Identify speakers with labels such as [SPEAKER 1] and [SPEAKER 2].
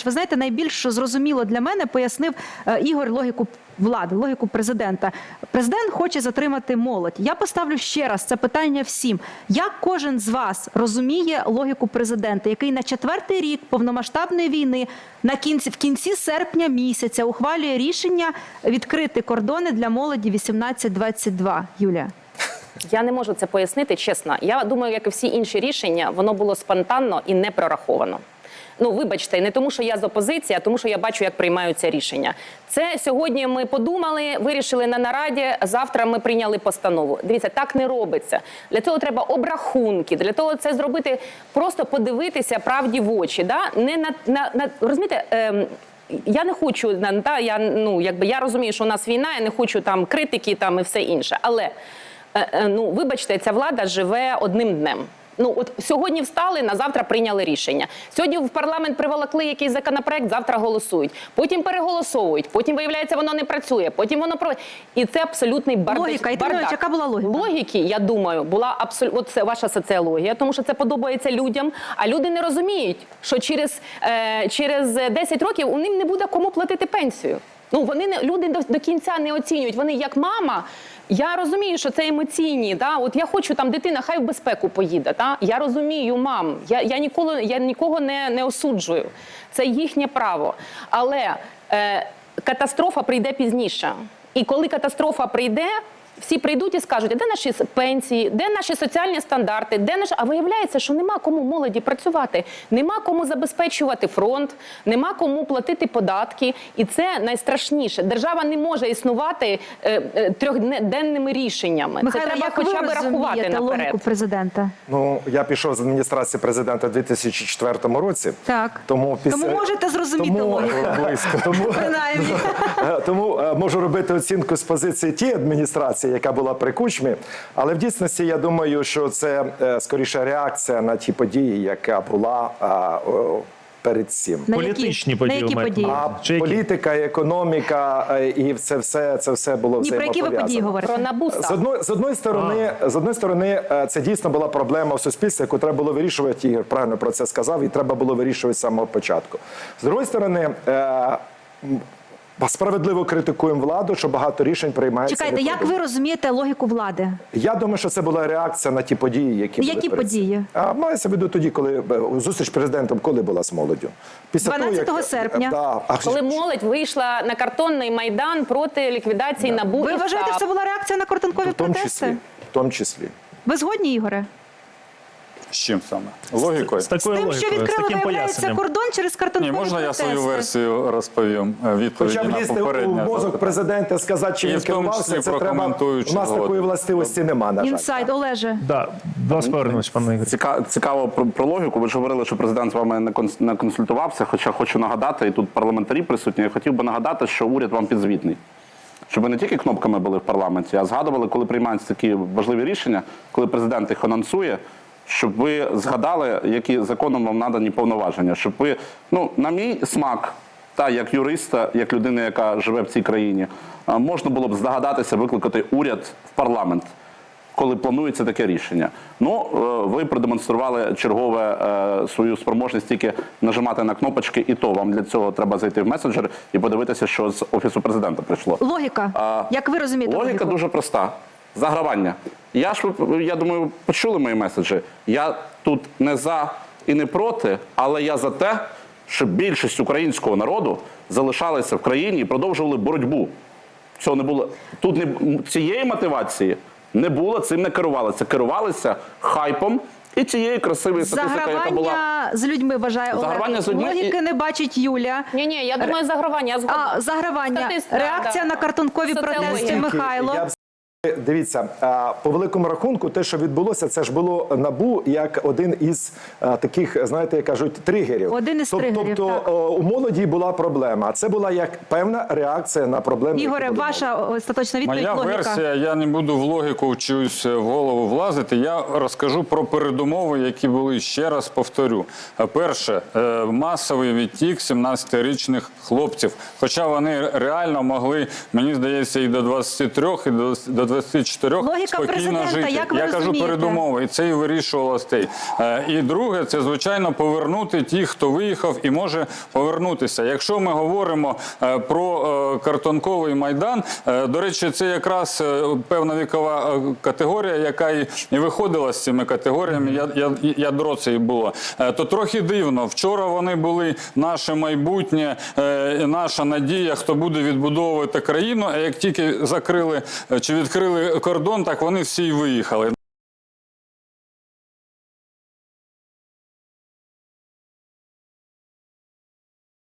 [SPEAKER 1] Ви знаєте, найбільш зрозуміло для мене пояснив Ігор логіку влади, логіку президента. Президент хоче затримати молодь. Я поставлю ще раз це питання всім. Як кожен з вас розуміє логіку президента, який на 4-й рік повномасштабної війни в кінці серпня місяця ухвалює рішення відкрити кордони для молоді 18-22? Юлія.
[SPEAKER 2] Я не можу це пояснити, чесно. Я думаю, як і всі інші рішення, воно було спонтанно і не прораховано. Ну, вибачте, не тому, що я з опозиції, а тому, що я бачу, як приймаються рішення. Це сьогодні ми подумали, вирішили на нараді, завтра ми прийняли постанову. Дивіться, так не робиться. Для цього треба обрахунки, для того це зробити, просто подивитися правді в очі. Да? Розумієте, я не хочу, я розумію, що у нас війна, я не хочу там критики там, і все інше. Але, вибачте, ця влада живе одним днем. От сьогодні встали, на завтра прийняли рішення. Сьогодні в парламент приволокли якийсь законопроект, завтра голосують. Потім переголосовують, потім, виявляється, воно не працює, потім воно... І це абсолютний бардак.
[SPEAKER 1] Логіка. І яка була логіка?
[SPEAKER 2] Логіки, я думаю, була абсолютно... Це ваша соціологія, тому що це подобається людям. А люди не розуміють, що через 10 років у ним не буде кому платити пенсію. Люди до кінця не оцінюють. Вони як мама... Я розумію, що це емоційні, да? От я хочу, там дитина хай в безпеку поїде, да? Я розумію, мам, я нікого не осуджую, це їхнє право. Але катастрофа прийде пізніше. І коли катастрофа прийде, всі прийдуть і скажуть, а де наші пенсії, де наші соціальні стандарти, А виявляється, що нема кому молоді працювати, нема кому забезпечувати фронт, нема кому платити податки. І це найстрашніше. Держава не може існувати трьохденними рішеннями.
[SPEAKER 1] Михайло,
[SPEAKER 2] це треба
[SPEAKER 1] як
[SPEAKER 2] хоча
[SPEAKER 1] ви
[SPEAKER 2] б рахувати
[SPEAKER 1] розумієте
[SPEAKER 2] наперед.
[SPEAKER 1] логіку президента?
[SPEAKER 3] Я пішов з адміністрації президента у 2004 році.
[SPEAKER 1] Так.
[SPEAKER 3] Тому
[SPEAKER 1] можете зрозуміти логіку. Принаймні.
[SPEAKER 3] Тому можу робити оцінку з позиції тієї адміністрації, яка була при Кучмі, але в дійсності я думаю, що це скоріше реакція на ті події, яка була перед цим.
[SPEAKER 4] Політичні події.
[SPEAKER 3] А політика, економіка і це все було взаємопов'язано.
[SPEAKER 1] Про які ви події говорите?
[SPEAKER 2] Про НАБУ.
[SPEAKER 3] З одної сторони, це дійсно була проблема в суспільстві, яку треба було вирішувати, Ігор правильно про це сказав, і треба було вирішувати з самого початку. З другої сторони, справедливо критикуємо владу, що багато рішень приймається.
[SPEAKER 1] Чекайте, як ви розумієте логіку влади?
[SPEAKER 3] Я думаю, що це була реакція на ті події, які були.
[SPEAKER 1] Які події?
[SPEAKER 3] Мається в виду тоді, коли зустріч з президентом, коли була з молоддю?
[SPEAKER 1] 12 серпня.
[SPEAKER 2] Коли молодь вийшла на картонний майдан проти ліквідації НАБУ і САП.
[SPEAKER 1] Ви вважаєте, що це була реакція на картонкові протести?
[SPEAKER 3] В тому числі.
[SPEAKER 1] Ви згодні, Ігоре?
[SPEAKER 5] З чим саме? Логікою?
[SPEAKER 4] З такою
[SPEAKER 1] З тим, що
[SPEAKER 4] логікою, з
[SPEAKER 1] відкрили,
[SPEAKER 4] таким
[SPEAKER 1] виявляється,
[SPEAKER 4] поясненням.
[SPEAKER 1] кордон через картонкові протести.
[SPEAKER 5] Можна я свою версію розповім? Відповіді
[SPEAKER 3] Хоча
[SPEAKER 5] на
[SPEAKER 3] влізти у
[SPEAKER 5] попереднє
[SPEAKER 3] мозок
[SPEAKER 5] запитання.
[SPEAKER 3] президента, сказати, чи
[SPEAKER 5] І
[SPEAKER 3] він
[SPEAKER 5] в тому
[SPEAKER 3] керувався,
[SPEAKER 5] числі
[SPEAKER 3] це треба.
[SPEAKER 5] прокоментуючи
[SPEAKER 3] У нас такої
[SPEAKER 5] згодом.
[SPEAKER 3] властивості нема, на жаль.
[SPEAKER 1] Інсайд, Олеже.
[SPEAKER 4] Да, до вас повернемось, пане Ігор.
[SPEAKER 6] Цікаво про логіку. Ви ж говорили, що президент з вами не консультувався, хоча хочу нагадати, і тут парламентарі присутні, я хотів би нагадати, що уряд вам підзвітний. Щоб ви не тільки кнопками були в парламенті, а згадували, коли приймаються такі важливі рішення, коли президент їх анонсує, щоб ви згадали, які законом вам надані повноваження. Щоб ви, на мій смак, як юриста, як людина, яка живе в цій країні, можна було б здогадатися викликати уряд в парламент, коли планується таке рішення. Ви продемонстрували чергове свою спроможність тільки нажимати на кнопочки, і то вам для цього треба зайти в месенджер і подивитися, що з Офісу президента прийшло.
[SPEAKER 1] Логіка. Як ви розумієте
[SPEAKER 6] логіка?
[SPEAKER 1] логіку?
[SPEAKER 6] Дуже проста. Загравання. Я думаю, почули мої меседжі. Я тут не за і не проти, але я за те, щоб більшість українського народу залишалася в країні і продовжували боротьбу. Цього не було. Тут цієї мотивації не було, цим не керувалися. Керувалися хайпом і цією красивою статистикою, яка була.
[SPEAKER 1] Загравання з людьми, вважає Олег. Логіки не бачить Юля.
[SPEAKER 2] Ні, я думаю, загравання. Я згодна.
[SPEAKER 1] Загравання. Реакція на картонкові протести, Михайло.
[SPEAKER 3] Дивіться, по великому рахунку, те, що відбулося, це ж було НАБУ як один із таких, знаєте, як кажуть, тригерів.
[SPEAKER 1] Один із тригерів,
[SPEAKER 3] Тобто у молоді була проблема, а це була як певна реакція на проблеми.
[SPEAKER 1] Ігоре, ваша остаточна відповідь,
[SPEAKER 5] Моя
[SPEAKER 1] логіка.
[SPEAKER 5] версія, я не буду в логіку чуюсь в голову влазити, я розкажу про передумови, які були, ще раз повторю. Перше, масовий відтік 17-річних хлопців, хоча вони реально могли, мені здається, і до 23, і до 24
[SPEAKER 1] Логіка
[SPEAKER 5] спокійно
[SPEAKER 1] президента,
[SPEAKER 5] жити.
[SPEAKER 1] як ви
[SPEAKER 5] Я кажу
[SPEAKER 1] розумієте?
[SPEAKER 5] передумови, і це і вирішувало стей. І друге, це, звичайно, повернути тих, хто виїхав і може повернутися. Якщо ми говоримо про картонковий Майдан, до речі, це якраз певна вікова категорія, яка і виходила з цими категоріями, ядро це і було. То трохи дивно. Вчора вони були наше майбутнє, наша надія, хто буде відбудовувати країну, а як тільки закрили чи відкрили кордон, так вони всі й виїхали.